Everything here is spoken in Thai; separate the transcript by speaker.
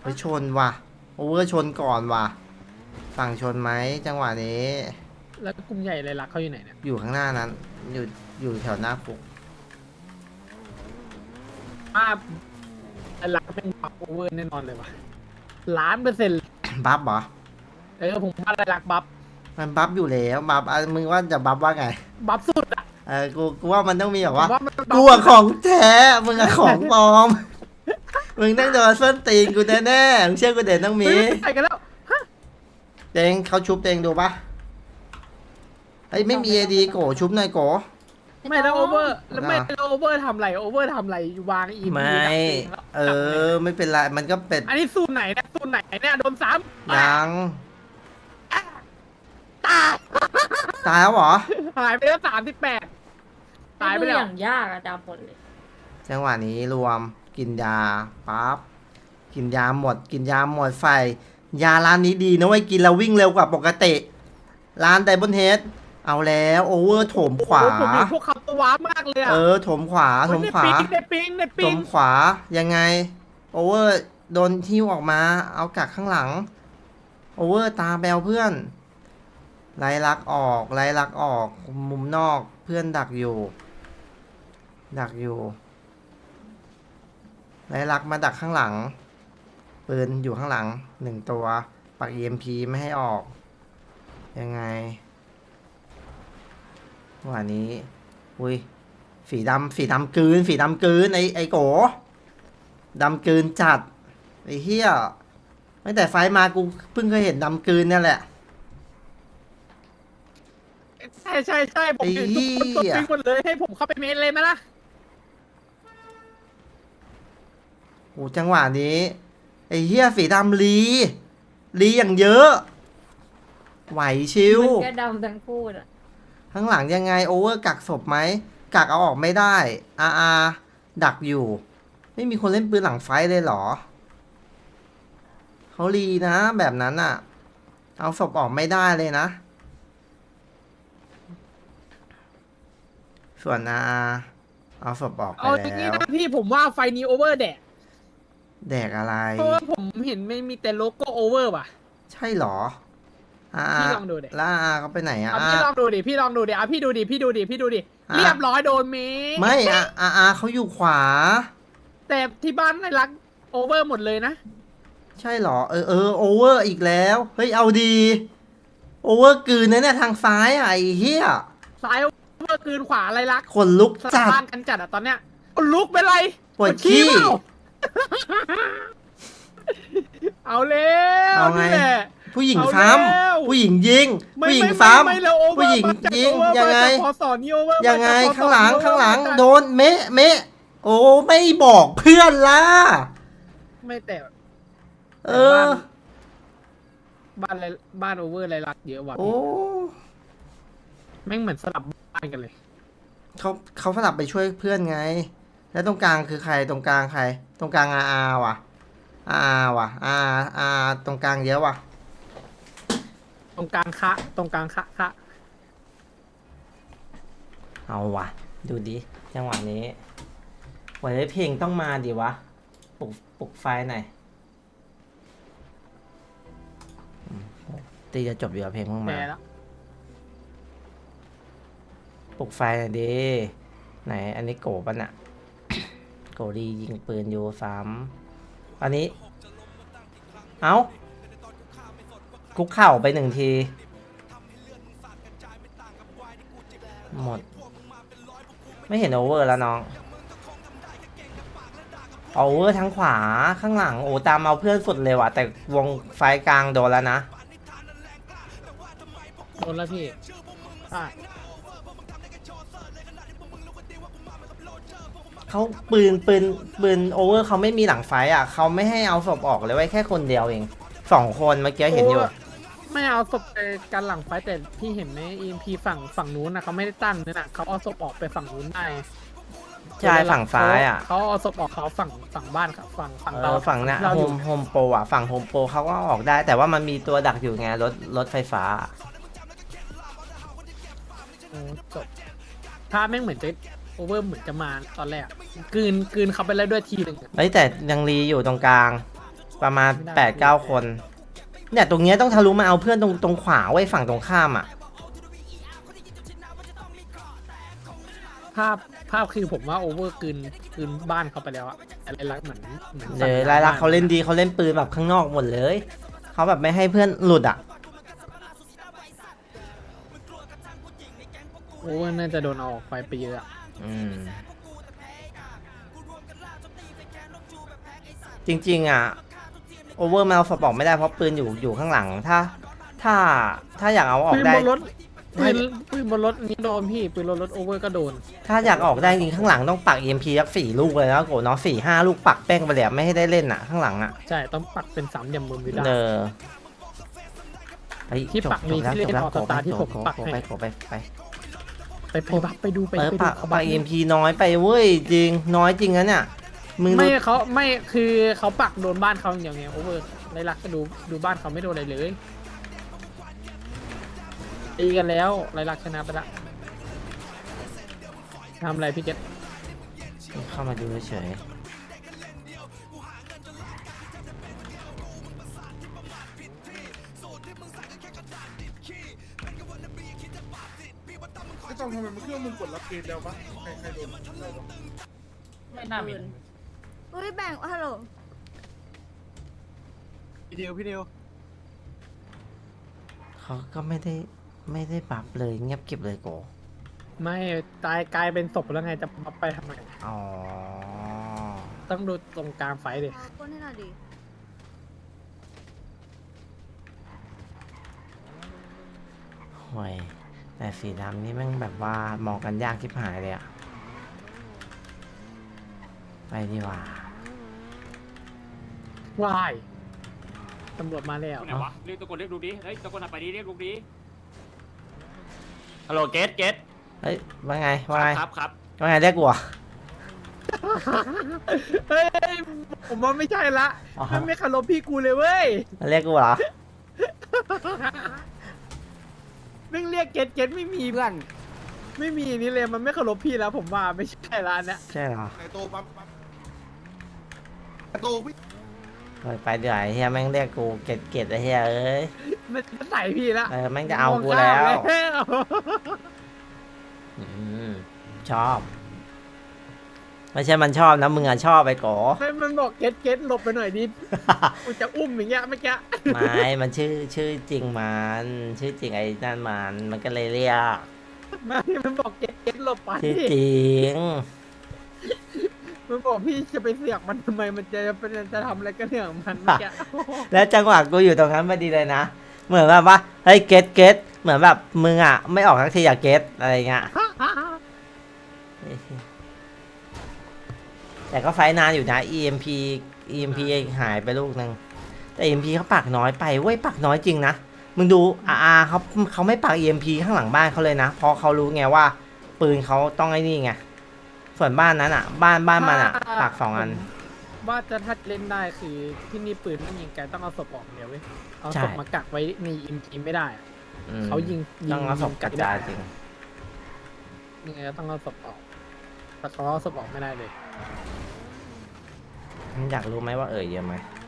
Speaker 1: ไปชนว่ะโอเวอร์ชนก่อนว่ะฝั่งชนไหมจังหวะนี้
Speaker 2: แล้วกลุ่มใหญ่เลยรักเขาอยู่ไหนเนี่ย
Speaker 1: อยู่ข้างหน้านั้นอยู่อยู่แถวหน้าคุก
Speaker 2: ป้ารักเป็นบัฟโอเวอร์แน่นอนเลยว่ะ1,000,000%
Speaker 1: บัฟเหรอ
Speaker 2: ผมว่าอะไรรักบัฟ
Speaker 1: มันบัฟอยู่แล้วบัฟมึงว่าจะบัฟว่าไง
Speaker 2: บัฟสุดอ่ะ
Speaker 1: กูว่ามันต้องมีแบบว่า
Speaker 2: ผมว่ามันบัฟ
Speaker 1: กูอะของแท้มึงอะของปลอม มึงต้องโดนส้นตีนกูแน่ๆมึงเชื่อกูเด่นต้องมี
Speaker 2: เฮ้ยไปกันแล้วฮะ
Speaker 1: เตงเขาชุบเตงดูปะเฮ้ยไม่มีเอดีโกชุบหน่อยโก
Speaker 2: ไม่แล้วโอเวอร์แล้วไม่แล้วโอเวอร์ทำไรโอเวอร์ทำไรวางอี
Speaker 1: ไม่ไม่เป็นไรมันก็เป็น
Speaker 2: อันนี้ซูนไหนเนี่ยซูนไหนเนี่ยโดนซ้ำ
Speaker 1: ยัง
Speaker 2: ตาย
Speaker 1: ตายแล้วเหรอ
Speaker 2: หายไปแล้ว38ตายไป
Speaker 3: ดู
Speaker 2: แล้
Speaker 3: อ
Speaker 2: ว
Speaker 3: ย่างยากอะดำหมดเลย
Speaker 1: จังหวะนี้รวมกินยาปั๊บกินยาหมดกินยาหมดไฟยาร้านนี้ดีนะเว้ยกินแล้ววิ่งเร็วกว่าปกติร้านไดบอนเฮดเอาแล้วโอเวอร์โถมขวา
Speaker 2: ผมเห็นพวกเขาตัวว้ามากเลยอ่ะ
Speaker 1: โถมขวาโถมขวา
Speaker 2: ในปิ
Speaker 1: โถ
Speaker 2: ง
Speaker 1: มขวายังไงโอเวอร์โดนทิ้วออกมาเอากักข้างหลังโอเวอร์ตาแบลเพื่อนไล่ลักออกไล่ลักออกมุมนอกเพื่อนดักอยู่ไล่ลักมาดักข้างหลังปืนอยู่ข้างหลัง1ตัวปัก EMP ไม่ให้ออกยังไงวันนี้อุ้ยสีดำกลืนไอโกดำกลืนจัดไอเฮียตั้งแต่ไฟมากูเพิ่งเคยเห็นดำกลืนเนี่ยแหละ
Speaker 2: ใช่ผมเห็นทุกคนตัวปิงหมดเลยให้ผมเข้าไปเมนเลยไหมล่ะ
Speaker 1: โอ้จังหวะนี้ไอเฮียสีดำลีอย่างเยอะ ไหวชิว
Speaker 3: มันก็ดำทั้งคู่อะ
Speaker 1: ข้างหลังยังไงโอเวอร์กักศพไหมกักเอาออกไม่ได้อาดักอยู่ ไม่มีคนเล่นปืนหลังไฟเลยเหรอเขาลีนะแบบนั้นอะเอาศพออกไม่ได้เลยนะ ส่วนเอาศพออกไป
Speaker 2: เอาอย่างนี้
Speaker 1: แล้ว
Speaker 2: นะพี่ผมว่าไฟนี้โอเวอร์แดด
Speaker 1: แดกอะไร
Speaker 2: เพราะว่าผมเห็นไม่มีแต่โลโก้โอเวอร์ว่ะ
Speaker 1: ใช่เหรอ
Speaker 2: พี่ลองดูดิ
Speaker 1: แล้วเขาไปไหนอะ
Speaker 2: พี่ลองดูดิพี่ลองดูดิพี่ดูดิเรียบร้อยโดนเม
Speaker 1: ไม่เขาอยู่ขวา
Speaker 2: แต่ที่บ้านในรักโอเวอร์หมดเลยนะ
Speaker 1: ใช่เหรอโอเวอร์อีกแล้วเฮ้ยเอาดีโอเวอร์กลืนนะเนี่ยทางซ้ายอะไอ้เหี้ย
Speaker 2: ซ้ายโอเวอร์คืนขวาอะไรรัก
Speaker 1: ขนลุก
Speaker 2: ส
Speaker 1: จัด
Speaker 2: บ้านกันจัดอะตอนเนี้ยลุกเป็นไร
Speaker 1: ปวดขี้
Speaker 2: เปล่า เอาแล้ว
Speaker 1: เอาไง
Speaker 2: นี่แหละ
Speaker 1: ผู้หญิง
Speaker 2: เอา
Speaker 1: ซ้
Speaker 2: แล้ว
Speaker 1: ำผู้หญิงยิง
Speaker 2: ไม่
Speaker 1: ผู้หญิง
Speaker 2: ไม่
Speaker 1: ซ้
Speaker 2: ไม่แล้วโอ
Speaker 1: ำ
Speaker 2: เวอร์
Speaker 1: ผู้หญิง
Speaker 2: มาจาก
Speaker 1: ยิง
Speaker 2: โอเวอร์
Speaker 1: ยังไง
Speaker 2: มาจากพอสอนนี่โอเวอร์
Speaker 1: ยังไง
Speaker 2: มจกพอสอน
Speaker 1: ข้างหลัง
Speaker 2: นี่โอเวอร์
Speaker 1: ข้างหลัง
Speaker 2: มาจาก
Speaker 1: โดนเมะโอ้ไม่บอกเพื่อนล่ะ
Speaker 2: ไม่แต่
Speaker 1: เออ
Speaker 2: บ้านโอเวอร์อะไรรักเยอะว่ะ
Speaker 1: โอ้
Speaker 2: แม่งเหมือนสลับบ้านกันเลย
Speaker 1: เขาสลับไปช่วยเพื่อนไง แล้วตรงกลางคือใครตรงกลางใคร ตรงกลางว่ะว่ะตรงกลางเยอะว่ะ
Speaker 2: ตรงกลางคะ
Speaker 1: เอาว่ะ ดูดิจังหวะนี้วันนี้เพลงต้องมาดิวะปลุกไฟหน่อยตีจะจบอยู่กับเพลงเพิ่ง
Speaker 2: แป
Speaker 1: มา
Speaker 2: ลแล้ว
Speaker 1: ปลุกไฟหน่อยดิไหนอันนี้โกปะน่ะ โกดียิงปืนอยู่3อันนี้ เอ้าคุกเข่าไป1 ทีหมดไม่เห็นโอเวอร์แล้วน้องโอเวอร์ทั้งขวาข้างหลังโอ้ตามเอาเพื่อนสุดเลยว่ะแต่วงไฟกลางโดนแล้วนะ
Speaker 2: โดนแล้วพี่อ่ะ
Speaker 1: เขาปืนโอเวอร์เขาไม่มีหลังไฟอ่ะเขาไม่ให้เอาศพออกเลยไว้แค่คนเดียวเอง2 คนเมื่อกี้เห็นอยู่
Speaker 2: ไม่เอาศพไปกันหลังไฟแต่พี่เห็นไหม EMP ฝั่งนู้นนะเขาไม่ได้ตั้งเนี่ยนะเขาเอาศพออกไปฝั่งนู้นได้
Speaker 1: ใช่ฝั่งซ้ายอ่ะ
Speaker 2: เขาเอาศพออกเขาฝั่งบ้านครับฝั่งเรา
Speaker 1: ฝั่งน่ะ
Speaker 2: เรา
Speaker 1: โฮ
Speaker 2: อยู่
Speaker 1: มโปรอ่ะฝั่งโฮมโปรเขาก็ออกได้ แต่ว่ามันมีตัวดักอยู่ไงรถไฟฟ้า
Speaker 2: โอ้จบถ้าแม่งเหมือนจะโอเวอร์เหมือนจะมาตอนแรกกลืนเขาไปแล้วด้วยทีหนึ่ง
Speaker 1: เฮ้ยแต่ยังรีอยู่ตรงกลางประมาณ8-9 คน เนี่ยตรงเนี้ยต้องทะลุมาเอาเพื่อนตรงขวาไว้ฝั่งตรงข้ามอ่ะ
Speaker 2: ภาพคือผมว่าโอเวอร์คืนบ้านเขาไปแล้วอะอะไรลักษณ์เหมือน
Speaker 1: เดี๋ยวรายลักษณ์เขาเล่นดีเขาเล่นปืนแบบข้างนอกหมดเลยเขาแบบไม่ให้เพื่อนหลุดอ่ะ
Speaker 2: โอเวอร์น่าจะโดนเอาออกไปเยอะอะ
Speaker 1: จริงๆอ่ะโอเวอร์แมวสปอร์ตไม่ได้เพราะปืนอยู่ข้างหลังถ้าอยากเอาออก
Speaker 2: ปืน
Speaker 1: ได้
Speaker 2: บนรถปืนบนรถนี่โดนพี่ปืนรถโอเวอร์ก็โดน
Speaker 1: ถ้าอยากออกได้จริงข้างหลังต้องปัก EMP สัก4 ลูกเลยนะโกเนาะ4-5 ลูกปักแป้งไปเลยอะไม่ให้ได้เล่นอ่ะข้างหลังอ่ะ
Speaker 2: ใช่ต้องปักเป็นสามเหลี่ยมมุมวิลา
Speaker 1: เออไป
Speaker 2: ที่ปักมีที่เล่น
Speaker 1: จบแล้ว
Speaker 2: ออกสตาร์ที่ผมปักให้ ไปดูไป
Speaker 1: ปัก
Speaker 2: เขา
Speaker 1: ปัก EMP น้อยไปเว้ยจริงน้อยจริงนะเนี่ยมึง
Speaker 2: ไม่
Speaker 1: ดู
Speaker 2: เขาไม่คือเขาปักโดนบ้านเขาอย่างเดียวไงโอเวอร์ไรลักษณ์ก็ดูบ้านเขาไม่โดนอะไรเลยตีกันแล้วไรลักษณ์ชนะไปละทำอะไรพี่เกต
Speaker 1: เข้ามาดูเฉย
Speaker 4: ไม่ต้องทำไมมันเครื่องมึงกดรับเกมแล้วปะใครโดน
Speaker 3: ไม่น่ามี
Speaker 5: อุ้ยแบ่งฮัลโหล
Speaker 4: พี่เดียวพี่เดียว
Speaker 1: เขาก็ไม่ได้ปรับเลยเงียบเก็บเลยโก
Speaker 2: ไม่ตายกลายเป็นศพแล้วไงจะเอาไปทำไม
Speaker 1: อ๋อ
Speaker 2: ต้องดูตรงกลางไฟดิ
Speaker 5: ก้นให้หน่อยดิ
Speaker 1: ห่วยแต่สีดำนี่แม่งแบบว่ามองกันยากทิบหายเลยอะไปดีกว่า
Speaker 2: วายตำรวจมาแล้ว
Speaker 6: ไหนวะเรียกตะโกนเรียกดูดิ เฮ้ยตะโกนอ่ะไปดิเรียกดูดิ ฮัลโหลเกต
Speaker 1: เฮ้ยว่าไงว่าไง
Speaker 6: ครับครับ
Speaker 1: ว่าไงเรียกกูเหรอ
Speaker 2: เฮ้ยผมว่าไม่ใช่ละ
Speaker 1: อ๋อ
Speaker 2: มันไม่เคารพพี่กูเลยเว้ย
Speaker 1: เรียกกูเหรอ
Speaker 2: แม่งเรียกเกตไม่มีเพื่อนไม่มีนี่เลยมันไม่เคารพพี่แล้วผมว่าไม่ใช่ละอันเนี้ย
Speaker 1: ใช่เหรอ
Speaker 4: ไอโตปั๊บไอโตพี่
Speaker 1: เฮ้ยไปเดี๋ยวไอ้เฮียแม่งเรียกกูเกตไอ้เฮียเอ้ย
Speaker 2: มันใส่พี่ละ
Speaker 1: แม่งจะเอากูแล้ว
Speaker 2: มองข้ามแล้ว
Speaker 1: อืมชอบ ไม่ใช่มันชอบนะมึงอะชอบไปโก
Speaker 2: ให้มันบอกเกตหลบไปหน่อยดิกูจะอุ้มอย่างเงี้ยเมื่อกี้
Speaker 1: ไม่มันชื่อจริงมันชื่อจริงไอ้นั่นมันก็เลยเรียก
Speaker 2: มันบอกเกตหลบไป
Speaker 1: ชื่อจริง
Speaker 2: มันบอกพี่จะไปเสียกมันทำไมมันจะทำอะไรก็เรื่องของมันเมื่อกี้
Speaker 1: แล้วจังหวะกูอยู่ตรงนั้นพอดีเลยนะ เหมือนแบบว่าเฮ้ยเกตเหมือนแบบมึงอ่ะไม่ออกทักทีอะเกตอะไรเงี้ยแต่ก็ไฟนานอยู่นะ EMP หายไปลูกนึงแต่ EMP เขาปักน้อยไปเว้ยปักน้อยจริงนะมึงดูเขาไม่ปัก EMP ข้างหลังบ้านเขาเลยนะเพราะเขารู้ไงว่าปืนเขาต้องไอ้นี่ไงส่วนบ้านนั้นอ่ะ บ้านมันอ่ะปัก2 อัน
Speaker 2: ว่าจะถ้าเล่นได้คือที่นี่ปืนไม่ยิงไกลต้องเอาศพออกเดียวเว้ยเอา
Speaker 1: ใช่
Speaker 2: ศพมากักไว้ในอิมทีไม่ได้อะ
Speaker 1: อืม
Speaker 2: เขายิง
Speaker 1: ต้องเอาศพกระจายจริง
Speaker 2: ยังไงก็ต้องเอาศพออกแต่เขาเอาศพออกไม่ได้เลย
Speaker 1: อยากรู้ไหมว่าเยอะไหม